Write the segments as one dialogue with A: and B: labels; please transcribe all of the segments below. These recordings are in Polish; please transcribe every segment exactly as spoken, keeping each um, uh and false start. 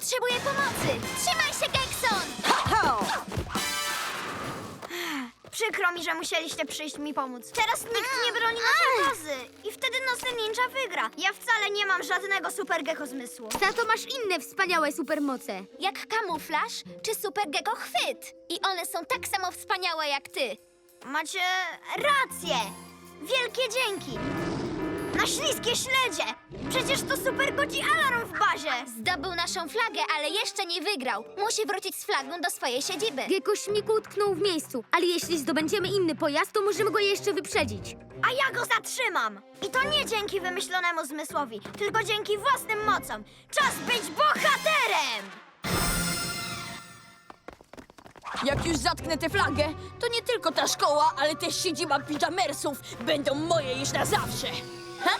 A: potrzebuję pomocy! Trzymaj się, Gekson!
B: Przykro mi, że musieliście przyjść mi pomóc. Teraz nikt nie broni naszej bazy. I wtedy Nocny Ninja wygra. Ja wcale nie mam żadnego super gecko zmysłu.
C: Za to masz inne wspaniałe supermoce.
A: Jak kamuflaż czy super gecko chwyt. I one są tak samo wspaniałe jak ty.
B: Macie rację. Wielkie dzięki. Na śliskie śledzie. Przecież to super godzi alarm w bazie.
A: Zdobył naszą flagę, ale jeszcze nie wygrał. Musi wrócić z flagą do swojej siedziby.
C: Gecko śmig utknął w miejscu, ale jeśli zdobędziemy inny pojazd, to możemy go jeszcze wyprzedzić.
B: A ja go zatrzymam. I to nie dzięki wymyślonemu zmysłowi, tylko dzięki własnym mocom. Czas być bohaterem!
D: Jak już zatknę tę flagę, to nie tylko ta szkoła, ale też siedziba pijamersów będą moje już na zawsze. Ha?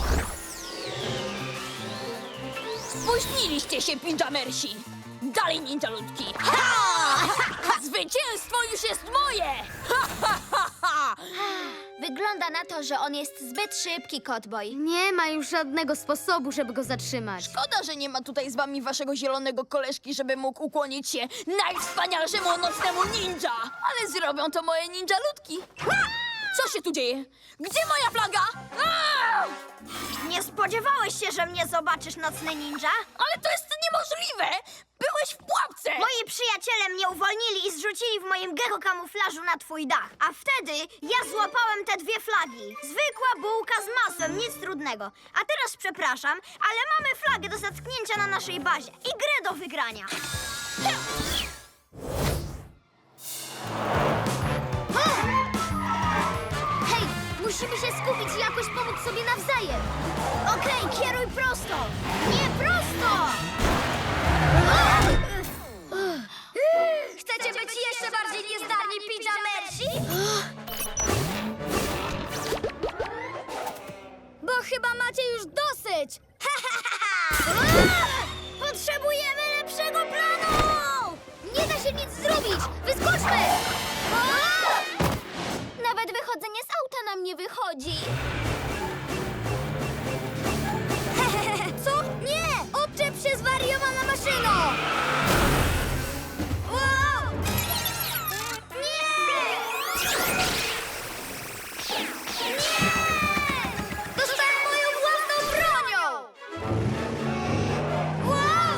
D: Spóźniliście się, pijamersi! Dalej, ninjaludki! Ha! Zwycięstwo już jest moje! Ha, ha, ha, ha!
A: Wygląda na to, że on jest zbyt szybki, Kotboj.
C: Nie ma już żadnego sposobu, żeby go zatrzymać.
D: Szkoda, że nie ma tutaj z wami waszego zielonego koleżki, żeby mógł ukłonić się najwspanialszemu nocnemu ninja! Ale zrobią to moje ninjaludki! Ha! Co się tu dzieje? Gdzie moja flaga? Aaa!
B: Nie spodziewałeś się, że mnie zobaczysz, Nocny Ninja?
D: Ale to jest niemożliwe! Byłeś w pułapce!
B: Moi przyjaciele mnie uwolnili i zrzucili w moim gecko kamuflażu na twój dach. A wtedy ja złapałem te dwie flagi. Zwykła bułka z masłem, nic trudnego. A teraz przepraszam, ale mamy flagę do zatknięcia na naszej bazie i grę do wygrania.
C: Hej, musimy się skupić i jakoś pomóc sobie nawzajem.
B: Okej, kieruj prosto. Nie prosto!
C: Chcecie być jeszcze bardziej niezdarni, pijamersi? Bo chyba macie już dosyć.
B: Potrzebujemy lepszego planu!
C: Nie da się nic zrobić! Wyskoczmy!
A: Nawet wychodzenie z auta nam nie wychodzi.
C: Co? Nie! Odczep się, zwariowana maszyno! Wow! Nie! Nie! Dostałem moją własną bronią! Wow!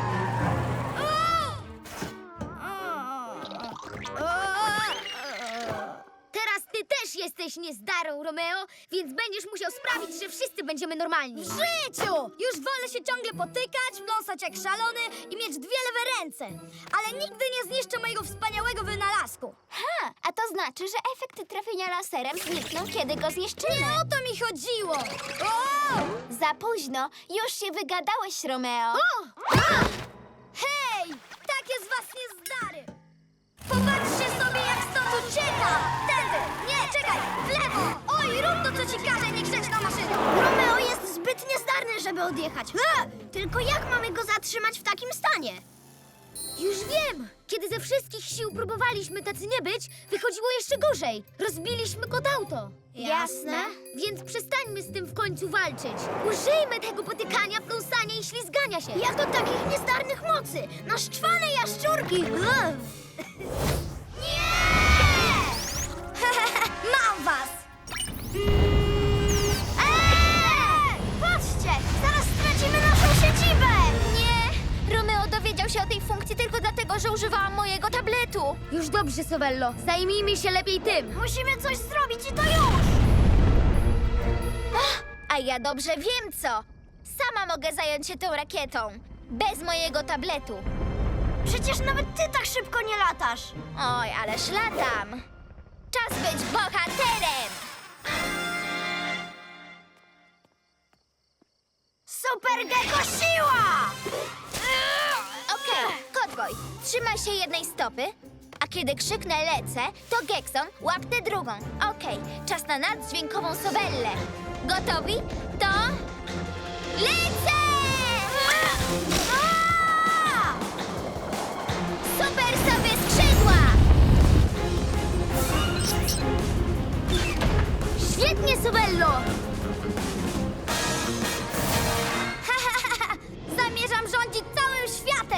C: Teraz ty też jesteś niezdarą, Romeo, więc będziesz musiał sprawić, że wszyscy będziemy normalni.
E: W życiu! Już wolę się ciągle potykać, pląsać jak szalony i mieć dwie lewe ręce. Ale nigdy nie zniszczę mojego wspaniałego wynalazku.
A: Ha, a to znaczy, że efekt trafienia laserem zniknął, kiedy go zniszczymy.
E: Nie o to mi chodziło! O!
A: Za późno. Już się wygadałeś, Romeo.
E: O! A! Hej! Takie z was niezdary! Popatrzcie sobie, jak stąd ucieka! Tędy! Nie, czekaj! W lewo! Oj, rób to, co ci każe, niegrzeczna maszyno!
B: Romeo jest zbyt niezdarny, żeby odjechać. A! Tylko jak mamy go zatrzymać w takim stanie?
C: Już wiem! Kiedy ze wszystkich sił próbowaliśmy tacy nie być, wychodziło jeszcze gorzej. Rozbiliśmy kod auto.
B: Jasne.
C: Więc przestańmy z tym w końcu walczyć. Użyjmy tego potykania, pląsania i ślizgania się.
B: Jak do takich niezdarnych mocy! Na szczwane jaszczurki! Ugh.
E: Mam was!
B: Eee! Patrzcie! Zaraz stracimy naszą siedzibę!
A: Nie! Romeo dowiedział się o tej funkcji tylko dlatego, że używałam mojego tabletu.
C: Już dobrze, Sovello. Zajmijmy się lepiej tym.
B: Musimy coś zrobić i to już!
A: A ja dobrze wiem co. Sama mogę zająć się tą rakietą. Bez mojego tabletu.
B: Przecież nawet ty tak szybko nie latasz!
A: Oj, ależ latam. Czas być bohaterem!
B: Super gecko siła!
A: Okej, Kotboj, trzymaj się jednej stopy, a kiedy krzyknę lecę, to Gekson łap tę drugą. Okej, czas na naddźwiękową Sobellę. Gotowi? To... lecę!
B: A!
A: Super sobie skrzydła!
C: Świetnie, Sovello!
E: Zamierzam rządzić całym światem!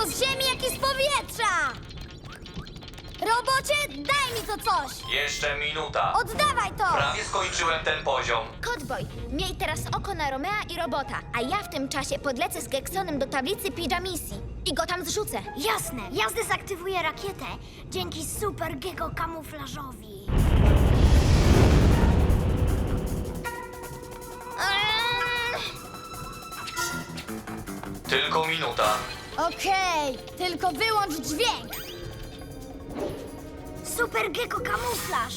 E: zarówno z ziemi, jak i z powietrza! Robocie, daj mi to coś!
F: Jeszcze minuta.
E: Oddawaj to!
F: Prawie skończyłem ten poziom.
A: Kotboj, miej teraz oko na Romea i robota, a ja w tym czasie podlecę z Geksonem do tablicy Pijamisji i go tam zrzucę.
B: Jasne, ja zdezaktywuję rakietę dzięki super gecko kamuflażowi.
A: Eee,
F: Tylko minuta.
E: Okej, tylko wyłącz dźwięk!
B: Super gecko kamuflaż.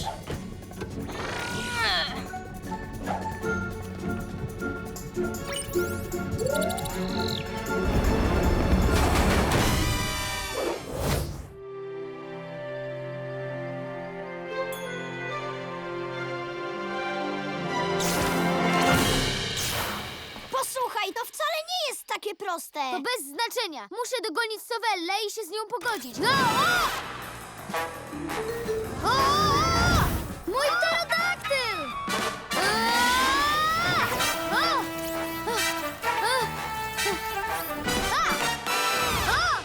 B: Posłuchaj, to wcale nie jest takie proste.
E: To bez znaczenia. Muszę dogonić Sowellę i się z nią pogodzić. O! O! O! Mój pterodaktyl! Aaa! O! O! A! O!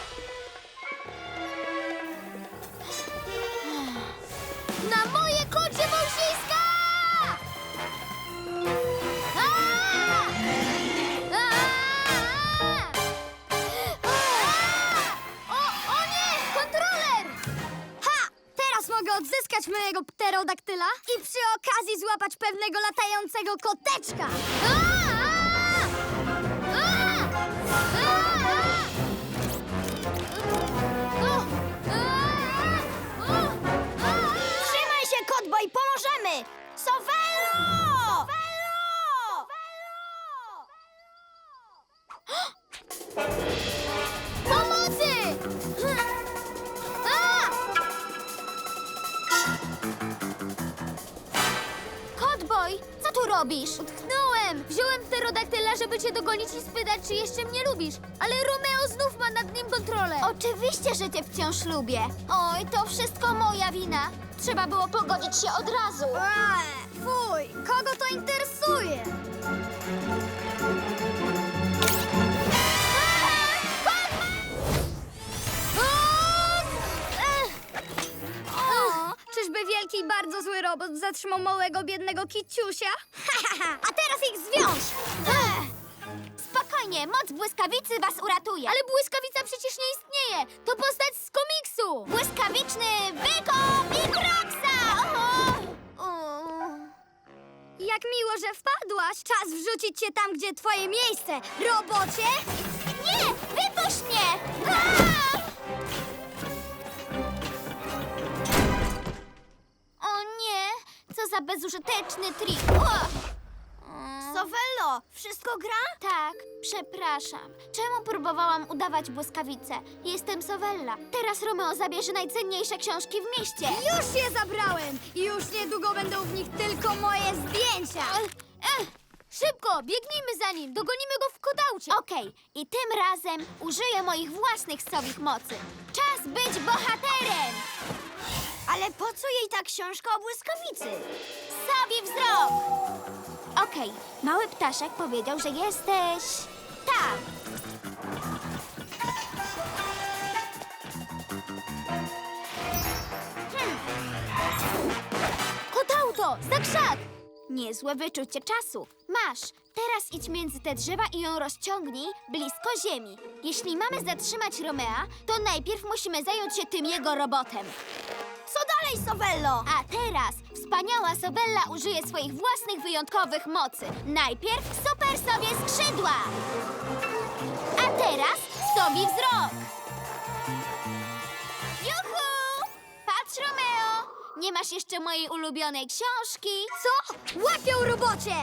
E: Na moje kocie wąsiska! Aaa! Aaa! O, o nie! Kontroler! Ha! Teraz mogę odzyskać mojego pterodaktyla i przy okazji złapać pewnego latającego koteczka! Aaa! Aaa! Aaa! O! Aaa! O! Aaa!
B: Trzymaj się, Kotboj, pomożemy! Sovello!
E: Pomocy! A!
A: Kotboj, co tu robisz?
E: Utknąłem! Wziąłem pterodaktyla, żeby cię dogonić i spytać, czy jeszcze mnie lubisz. Ale Romeo znów ma nad nim kontrolę.
A: Oczywiście, że cię wciąż lubię. Oj, to wszystko moja wina. Trzeba było pogodzić się od razu.
E: Eee, fuj! Kogo to interesuje? O, czyżby wielki i bardzo zły robot zatrzymał małego, biednego kiciusia? A teraz ich zwiąż!
A: Spokojnie, moc błyskawicy was uratuje.
E: Ale błyskawica przecież nie istnieje! To postać z komiksu!
A: Błyskawiczny Wyko Mikroxa!
E: Jak miło, że wpadłaś! Czas wrzucić cię tam, gdzie twoje miejsce! Robocie!
A: Nie! Wypuść mnie! Aaa! O nie! Co za bezużyteczny trik! O!
B: Sovello, wszystko gra?
A: Tak, przepraszam. Czemu próbowałam udawać błyskawicę? Jestem Sowella. Teraz Romeo zabierze najcenniejsze książki w mieście.
E: Już je zabrałem! I już niedługo będą w nich tylko moje zdjęcia!
A: Ech,
E: Szybko, biegnijmy za nim! Dogonimy go w kodaucie!
A: Okej, i tym razem użyję moich własnych sowich mocy. Czas być bohaterem!
B: Ale po co jej ta książka o błyskawicy?
A: Sowi wzrok! Okej, mały ptaszek powiedział, że jesteś... tam. Hmm. Kotauto, za krzak! Niezłe wyczucie czasu. Masz, teraz idź między te drzewa i ją rozciągnij blisko ziemi. Jeśli mamy zatrzymać Romea, to najpierw musimy zająć się tym jego robotem.
B: Co dalej, Sovello?
A: A teraz wspaniała Sowella użyje swoich własnych wyjątkowych mocy. Najpierw super sobie skrzydła. A teraz sobi wzrok. Juhu! Patrz, Romeo! Nie masz jeszcze mojej ulubionej książki.
E: Co? Łapią robocie!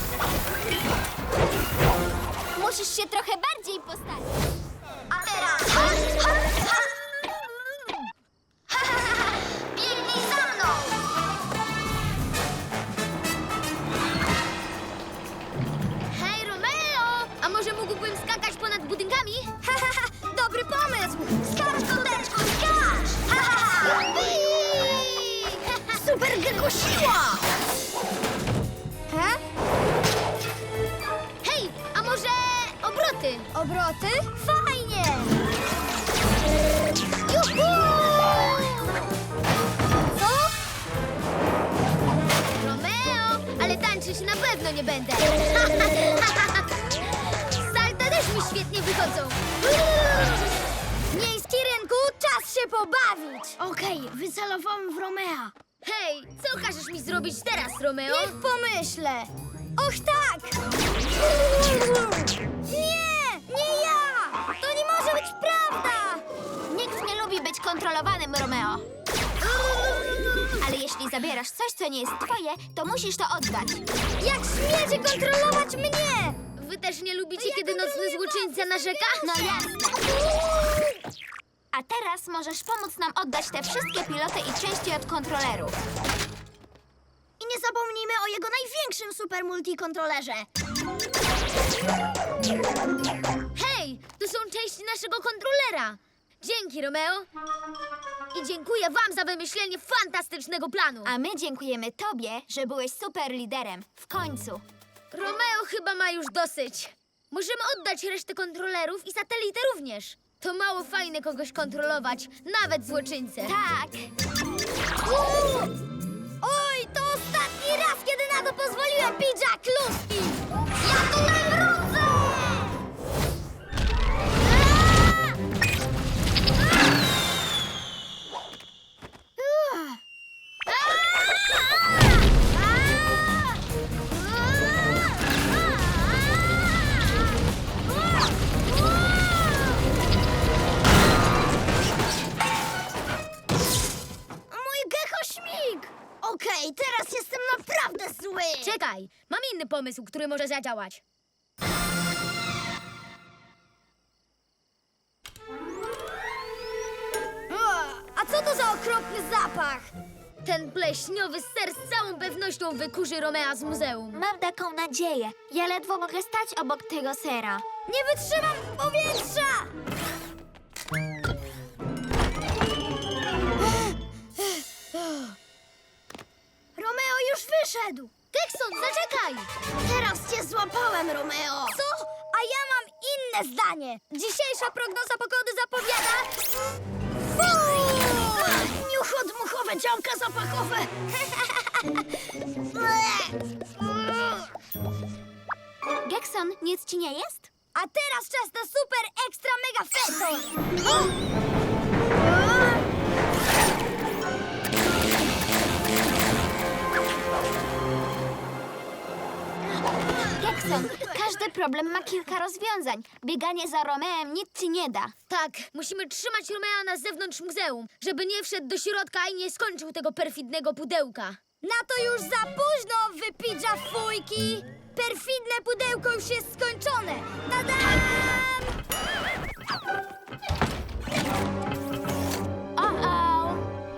A: Musisz się trochę bardziej postawić.
E: A teraz... Biegnij za mną! Hej, Romeo! A może mógłbym skakać ponad budynkami? Dobry pomysł! Skacz, koteczku, skacz!
B: Super gecko siła!
E: He? Hej, a może obroty? Obroty? Fajnie!
C: tańczyć na pewno nie będę. Salta też mi świetnie wychodzą.
E: Miejski rynku, czas się pobawić!
B: Okej, wycelowałem w Romea.
C: Hej, co każesz mi zrobić teraz, Romeo?
E: Niech pomyślę! Och tak! Nie! Nie ja! To nie może być prawda!
A: Nikt nie lubi być kontrolowanym, Romeo. Ale jeśli zabierasz coś, co nie jest twoje, to musisz to oddać.
E: Jak śmiecie kontrolować mnie!
C: Wy też nie lubicie, kiedy nocny złoczyńca narzeka?
A: No jasne. A teraz możesz pomóc nam oddać te wszystkie piloty i części od kontrolerów.
B: I nie zapomnijmy o jego największym super multikontrolerze.
C: Hej, to są części naszego kontrolera. Dzięki, Romeo. I dziękuję wam za wymyślenie fantastycznego planu.
A: A my dziękujemy tobie, że byłeś super liderem. W końcu.
C: Romeo chyba ma już dosyć. Możemy oddać resztę kontrolerów i satelity również. To mało fajne kogoś kontrolować, nawet złoczyńcę.
A: Tak.
E: Oj, to ostatni raz, kiedy na to pozwoliłem, pidża kluski! Ja to nawrócę!
B: Mój gechośmig! Okej, teraz jestem naprawdę zły.
C: Czekaj, mam inny pomysł, który może zadziałać.
E: A co to za okropny zapach?
C: Ten pleśniowy ser z całą pewnością wykurzy Romea z muzeum.
A: Mam taką nadzieję. Ja ledwo mogę stać obok tego sera.
E: Nie wytrzymam powietrza!
B: Romeo już wyszedł.
C: Tekson, zaczekaj!
B: Teraz cię złapałem, Romeo.
E: Co? A ja mam inne zdanie. Dzisiejsza prognoza pogody zapowiada...
B: Niuchodmuchowe działka zapachowe.
A: Gekson, nic ci nie jest?
E: A teraz czas na super ekstra mega fetor!
A: Gekson, każdy problem ma kilka rozwiązań. Bieganie za Romeem nic ci nie da.
C: Tak, musimy trzymać Romea na zewnątrz muzeum, żeby nie wszedł do środka i nie skończył tego perfidnego pudełka.
E: Na to już za późno, wypidża fujki! Perfidne pudełko już jest skończone! Tadam!
A: O-o!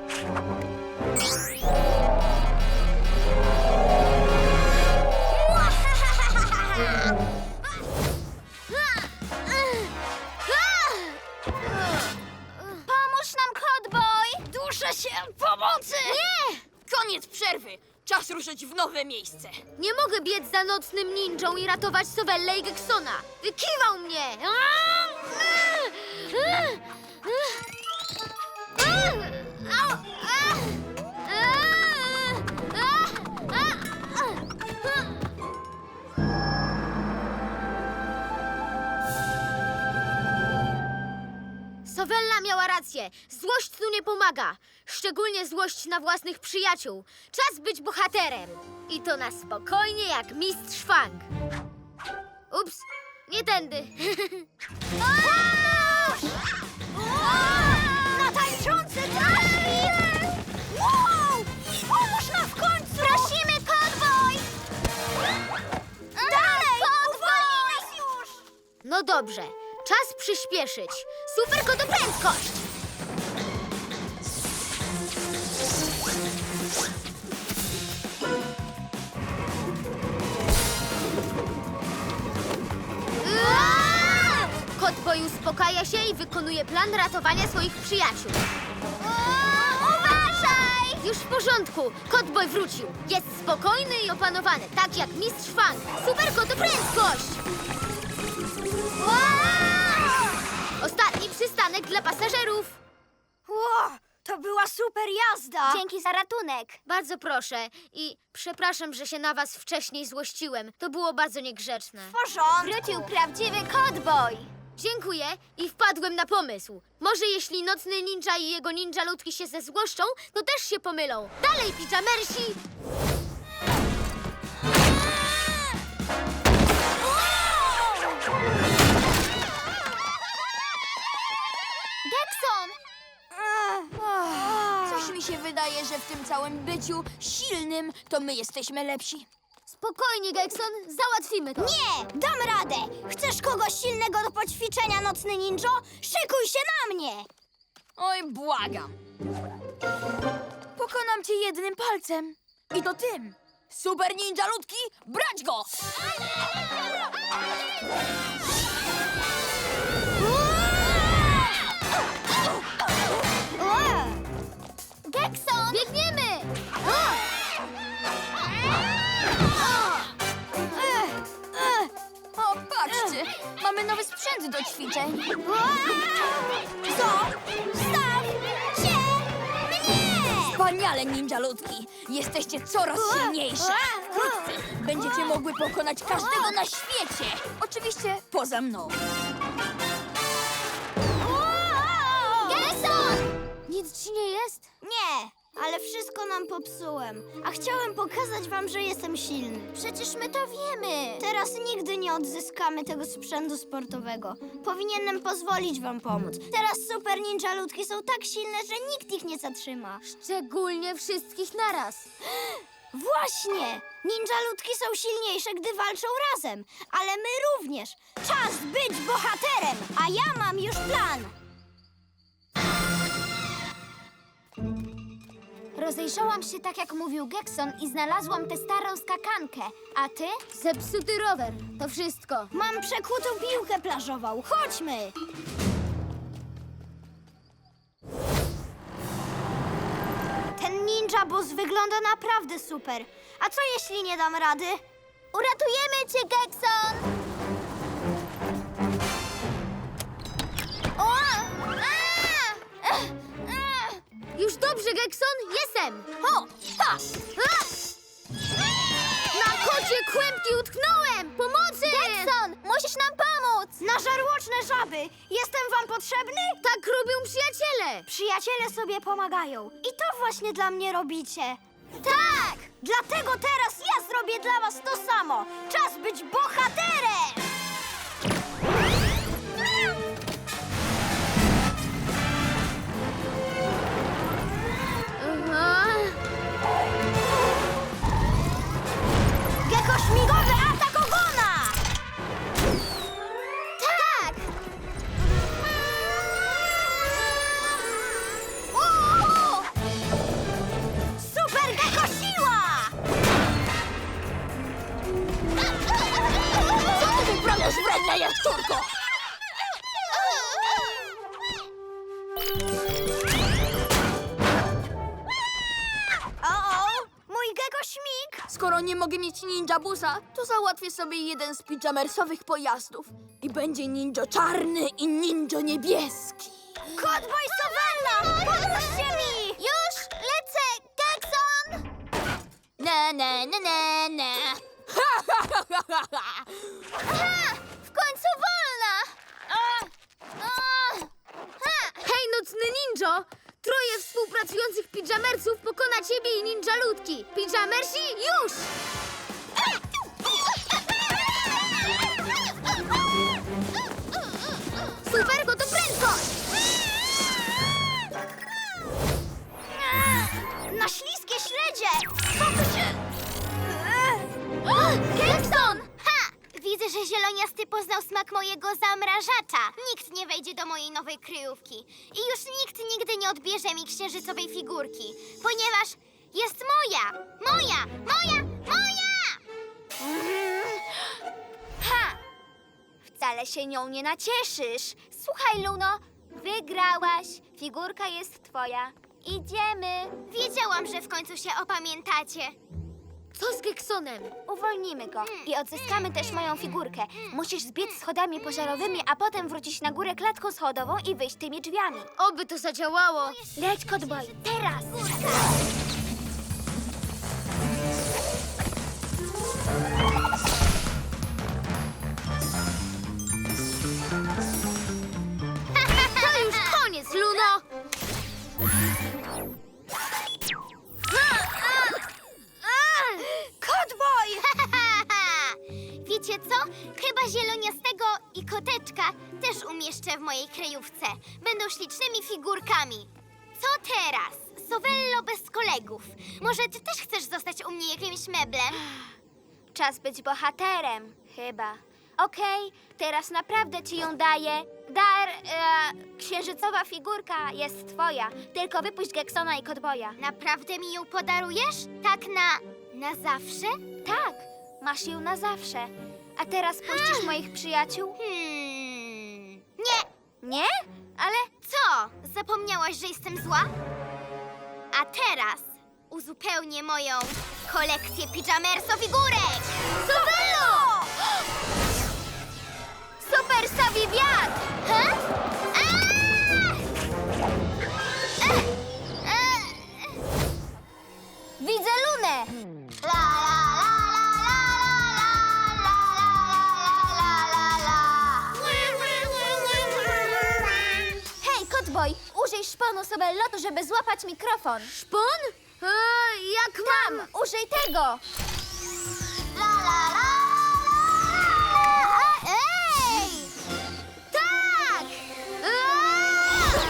A: Pomóż nam, Kotboj!
B: Duszę się! Pomocy!
D: Nie! Koniec przerwy! Czas ruszyć w nowe miejsce.
C: Nie mogę biec za nocnym ninją i ratować Sowellę i Geksona. Wykiwał mnie! Sowella miała rację. Złość tu nie pomaga. Szczególnie złość na własnych przyjaciół. Czas być bohaterem. I to na spokojnie jak mistrz Fang. Ups, nie tędy.
B: Na tańczący trafik! Wow! Pomóż nam w końcu!
A: Prosimy, Kotboj!
B: Dalej!
A: Kotboj!
B: Uwolnij nas już!
C: No dobrze, czas przyspieszyć. Super kotoprędkość! Kotboj uspokaja się i wykonuje plan ratowania swoich przyjaciół.
A: Uważaj!
C: Już w porządku, Kotboj wrócił. Jest spokojny i opanowany, tak jak mistrz Fang. Super kotoprędkość! Ostatni przystanek dla pasażerów.
B: Ło, To była super jazda!
E: Dzięki za ratunek.
C: Bardzo proszę i przepraszam, że się na was wcześniej złościłem. To było bardzo niegrzeczne.
B: W porządku!
E: Wrócił prawdziwy cowboy.
C: Dziękuję i wpadłem na pomysł. Może jeśli nocny ninja i jego ninja ludki się zezłoszczą, to też się pomylą. Dalej, pijamersi!
E: Gekson!
D: Coś mi się wydaje, że w tym całym byciu silnym to my jesteśmy lepsi.
C: Spokojnie, Gekson, załatwimy to.
B: Nie! Dam radę! Chcesz kogoś silnego do poćwiczenia, nocny ninjo? Szykuj się na mnie!
D: Oj, błagam. Pokonam cię jednym palcem. I to tym. Super ninja ludki, brać go!
E: Gekson!
C: Biegniemy!
D: O, patrzcie, mamy nowy sprzęt do ćwiczeń.
B: Co? Staw się mnie!
D: Wspaniale, ninja ludki. Jesteście coraz silniejsze. Wkrótce będziecie mogły pokonać każdego na świecie. Oczywiście poza mną.
E: Gekson!
C: Nic ci nie jest?
B: Nie, ale wszystko nam popsułem. A chciałem pokazać wam, że jestem silny.
E: Przecież my to wiemy.
B: Teraz nigdy nie odzyskamy tego sprzętu sportowego. Powinienem pozwolić wam pomóc. Teraz super ninja ludki są tak silne, że nikt ich nie zatrzyma.
C: Szczególnie wszystkich naraz.
B: Właśnie! Ninja ludki są silniejsze, gdy walczą razem. Ale my również. Czas być bohaterem, a ja mam już plan.
E: Rozejrzałam się tak, jak mówił Gekson i znalazłam tę starą skakankę. A ty?
C: Zepsuty rower, to wszystko.
B: Mam przekutą piłkę plażową. Chodźmy! Ten ninja boss wygląda naprawdę super. A co jeśli nie dam rady?
E: Uratujemy cię, Gekson! O! A! Ech, ech.
C: Już dobrze, Gekson, jestem!
D: O, ha!
C: A! Na kocie kłębki utknąłem! Pomocy!
E: Gekson, musisz nam pomóc!
B: Na żarłoczne żaby! Jestem wam potrzebny?
C: Tak robią przyjaciele!
B: Przyjaciele sobie pomagają. I to właśnie dla mnie robicie.
E: Tak!
B: Dlatego teraz ja zrobię dla was to samo. Czas być bohaterem!
C: Aha.
B: Gecko śmigowy atak ogona!
E: Tak!
B: Super gecko siła!
D: Co ty wyprawiasz, wredna jaszczurko?
B: O-o! Mój gecko śmig!
D: Skoro nie mogę mieć ninja busa, to załatwię sobie jeden z pijamersowych pojazdów. I będzie ninja czarny i ninja niebieski.
B: Cowboy Sowella! Pomóżcie mi!
E: Już lecę, Gekson!
D: Na, na, na, na, na.
E: Ha! W końcu wolna! A! A! Ha!
C: Hej, nocny ninjo! Troje współpracujących pijamersów pokona ciebie i ninja ludki. Pijamersi, już! Super, go to prędkość!
B: Na śliskie śledzie! Co tu się...
E: Gekson! Ha! Widzę, że zieloniasty poznał smak mojego zamrażacza. Nikt nie wejdzie do mojej nowej kryjówki. I już nikt nigdy nie odbierze mi księżycowej figurki, ponieważ jest moja! Moja! Moja! Moja! Ha! Wcale się nią nie nacieszysz. Słuchaj, Luno, wygrałaś. Figurka jest twoja. Idziemy. Wiedziałam, że w końcu się opamiętacie.
C: Co z Geksonem?
A: Uwolnimy go i odzyskamy też moją figurkę. Musisz zbiec schodami pożarowymi, a potem wrócić na górę klatką schodową i wyjść tymi drzwiami.
C: Oby to zadziałało.
A: Leć, Kotboj, teraz!
C: To już koniec, Luno!
B: Kotboj!
E: Wiecie co? Chyba zieloniastego i koteczka też umieszczę w mojej kryjówce. Będą ślicznymi figurkami. Co teraz? Sowello bez kolegów. Może ty też chcesz zostać u mnie jakimś meblem?
A: Czas być bohaterem, chyba. Okej, teraz naprawdę ci ją daję. Dar, e, księżycowa figurka jest twoja. Tylko wypuść Geksona i Kotboja.
E: Naprawdę mi ją podarujesz? Tak na... na zawsze?
A: Tak, masz ją na zawsze. A teraz puścisz moich przyjaciół?
E: Hmm... Nie!
A: Nie? Ale
E: Co? Zapomniałaś, że jestem zła? A teraz uzupełnię moją kolekcję pijamerso figurek!
A: Sowello! Super Savi wiatr!
E: Ha? Aaa! Ech! Ech!
A: Widzę Lunę!
E: La, la, la, la, la, la, la, la, la.
A: Hej, Kotboj, użyj szponu Sowellotu, żeby złapać mikrofon.
C: Szpon? E, jak mam?
A: Tam, użyj tego!
E: La, la, la, la. Ej! Tak!
C: Eee!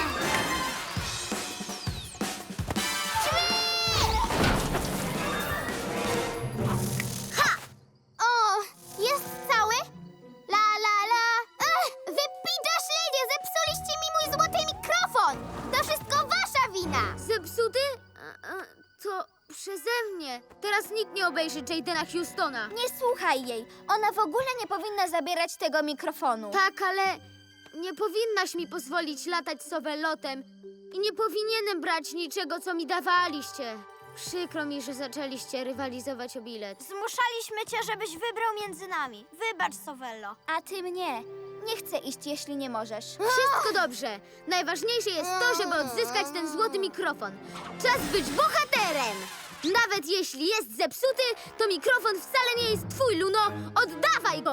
E: Ha! O, jest cały? La, la, la. Ech, wy pidaszledzie, zepsuliście mi mój złoty mikrofon! To wszystko wasza wina!
C: Zepsuty? E, e, to przeze mnie. Teraz nikt nie obejrzy Jadena Houstona.
A: Nie słuchaj jej. Ona w ogóle nie powinna zabierać tego mikrofonu.
C: Tak, ale nie powinnaś mi pozwolić latać Sowellotem i nie powinienem brać niczego, co mi dawaliście. Przykro mi, że zaczęliście rywalizować o bilet.
B: Zmuszaliśmy cię, żebyś wybrał między nami. Wybacz, Sowello.
A: A ty mnie. Nie chcę iść, jeśli nie możesz.
C: Wszystko dobrze. Najważniejsze jest to, żeby odzyskać ten złoty mikrofon. Czas być bohaterem! Nawet jeśli jest zepsuty, to mikrofon wcale nie jest twój, Luno. Oddawaj go!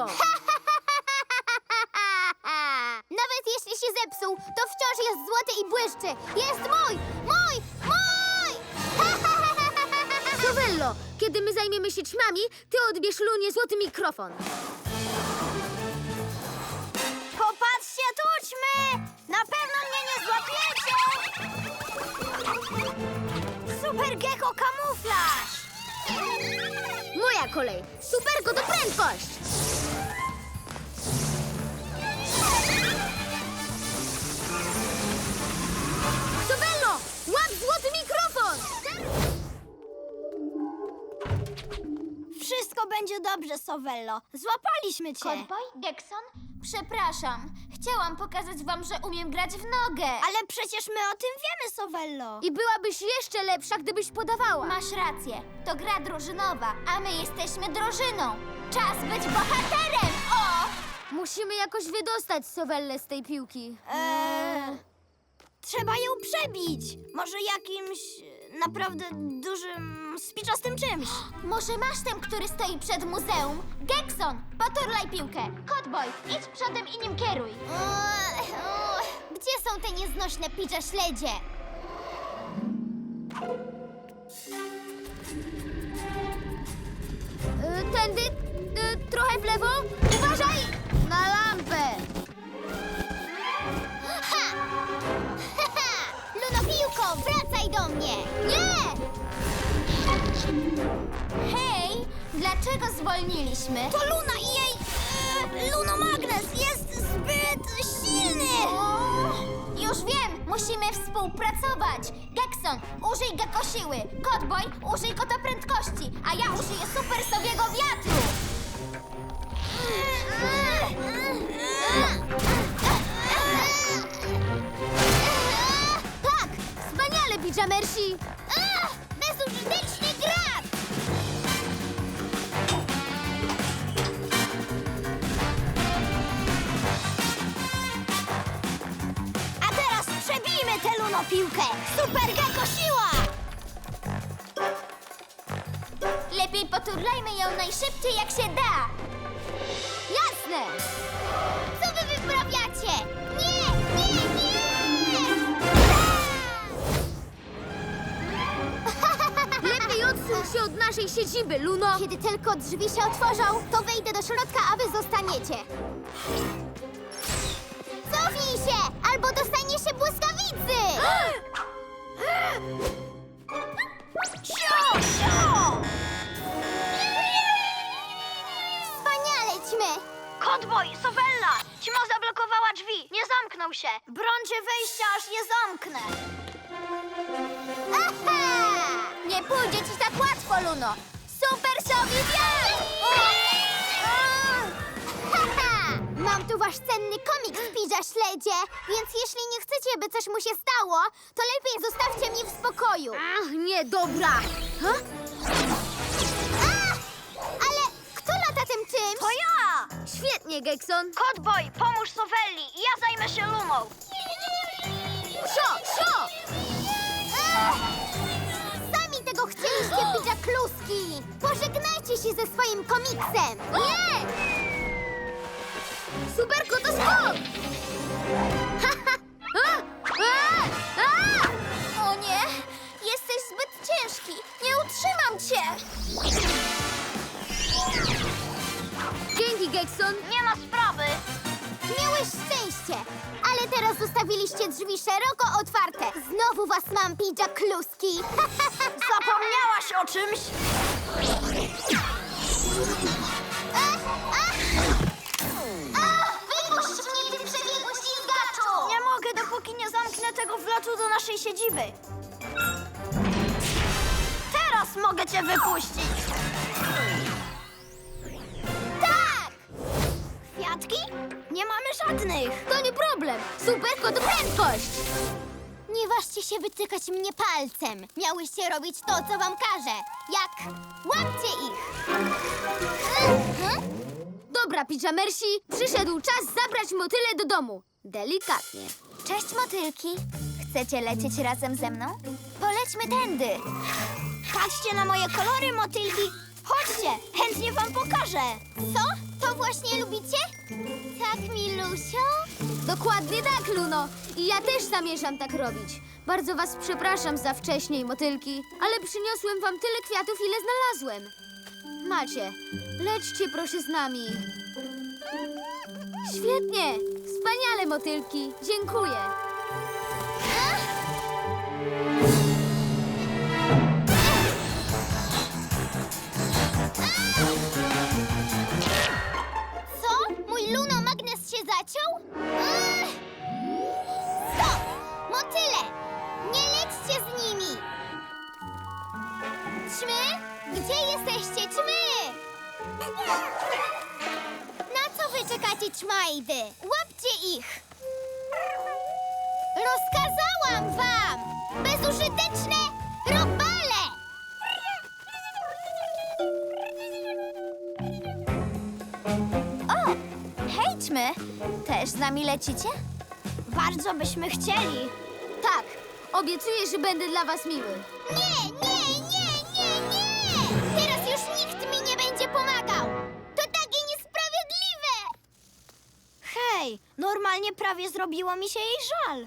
E: Nawet jeśli się zepsuł, to wciąż jest złoty i błyszczy. Jest mój! Mój! Mój!
C: Sowello, kiedy my zajmiemy się ćmami, ty odbierz Lunie złoty mikrofon.
B: Popatrzcie, tućmy! Na pewno mnie nie złapiecie! Super Gecko kamuflaż!
C: Moja kolej. Superko to prędkość! Sowello, łap złoty mikrofon!
B: Wszystko będzie dobrze, Sowello. Złapaliśmy cię.
A: Kotboj, Gekson? Przepraszam. Chciałam pokazać wam, że umiem grać w nogę.
B: Ale przecież my o tym wiemy, Sowello.
C: I byłabyś jeszcze lepsza, gdybyś podawała.
A: Masz rację. To gra drużynowa, a my jesteśmy drużyną. Czas być bohaterem! O!
C: Musimy jakoś wydostać Sowellę z tej piłki.
B: Eee, trzeba ją przebić. Może jakimś e, naprawdę dużym, spiczastym czymś.
A: Może masz ten, który stoi przed muzeum? Gekson, poturlaj piłkę. Kotboj, idź przodem i nim kieruj.
E: Uch, uch. Gdzie są te nieznośne pidżaszledzie?
C: Y, tędy, y, trochę w lewo. Uważaj na lampę.
E: Ha! Ha, ha! Lunopiłko, wracaj do mnie! Nie!
A: Hej, dlaczego zwolniliśmy?
B: To Luna i jej e, lunomagnes jest zbyt silny.
A: Już wiem, musimy współpracować. Gekson, użyj gekosiły. Kotboj, użyj kotoprędkości, a ja użyję super sowiego wiatru.
C: Tak, wspaniale, pijamersi.
E: Ach, bezużyteczny grat!
B: po piłkę! Super Gecko siła!
A: Lepiej poturlajmy ją najszybciej jak się da.
C: Jasne!
E: Co wy wyprawiacie? Nie, nie, nie!
C: Lepiej odsuń się od naszej siedziby, Luno!
E: Kiedy tylko drzwi się otworzą, to wejdę do środka, a wy zostaniecie. Cofnij się, albo dostanie się błyskawicy!
B: Sio, sio!
E: Wspaniale, ćmy!
B: Kotboj, Sowella! Ćma zablokowała drzwi, nie zamknął się. Brońcie wejścia, aż je zamknę.
E: Aha!
A: Nie pójdzie ci tak łatwo, Luno. Super Sowi wiatr!
E: Haha! Mam tu wasz cenny komiks w Pidża Śledzie, więc jeśli nie chcecie, by coś mu się stało, to lepiej zostawcie mnie w spokoju.
C: Ach, nie, dobra! Ha?
E: A! Ale kto lata tym czymś?
B: To ja!
C: Świetnie, Gekson!
B: Kotboj, pomóż Sowelli i ja zajmę się Luną.
C: Sio, sio!
E: Ech! Sami tego chcieliście, Pidża Kluski! Pożegnajcie się ze swoim komiksem!
C: Nie! Superko, to skok! Ha, ha! A! A! A!
A: O nie, jesteś zbyt ciężki. Nie utrzymam cię.
C: Dzięki, Gekson!
B: Nie ma sprawy.
E: Miałeś szczęście, ale teraz zostawiliście drzwi szeroko otwarte. Znowu was mam, Pidża Kluski!
B: Zapomniałaś o czymś?
E: Wypuść mnie, ty przebiegły ślizgaczu!
B: Nie mogę, dopóki nie zamknę tego wlotu do naszej siedziby. Teraz mogę cię wypuścić.
E: Tak!
B: Kwiatki? Nie mamy żadnych.
C: To nie problem! Superko, to prędkość!
E: Nie ważcie się wytykać mnie palcem. Miałyście robić to, co wam każę. Jak łapcie ich! Mhm.
C: Dobra, pijamersi, przyszedł czas zabrać motyle do domu. Delikatnie.
A: Cześć, motylki. Chcecie lecieć razem ze mną? Polećmy tędy.
B: Patrzcie na moje kolory, motylki. Chodźcie, chętnie wam pokażę.
E: Co? To właśnie lubicie? Tak, Milusio?
C: Dokładnie tak, Luno. I ja też zamierzam tak robić. Bardzo was przepraszam za wcześniej, motylki, ale przyniosłem wam tyle kwiatów, ile znalazłem. Macie, lećcie proszę z nami. Świetnie! Wspaniale, motylki. Dziękuję.
E: Co? Mój lunomagnes się zaciął? Ech! Stop! Motyle! Nie lećcie z nimi! Ćmy? Gdzie jesteście, ćmy? Na co wy czekacie, ćmajdy? Łapcie ich! Rozkazałam wam! Bezużyteczne robale!
A: O, hejćmy. Też z nami lecicie?
B: Bardzo byśmy chcieli.
C: Tak, obiecuję, że będę dla was miły.
E: Nie, nie, nie, nie, nie! Teraz już nikt mi nie będzie pomagał! To takie niesprawiedliwe!
B: Hej, normalnie prawie zrobiło mi się jej żal.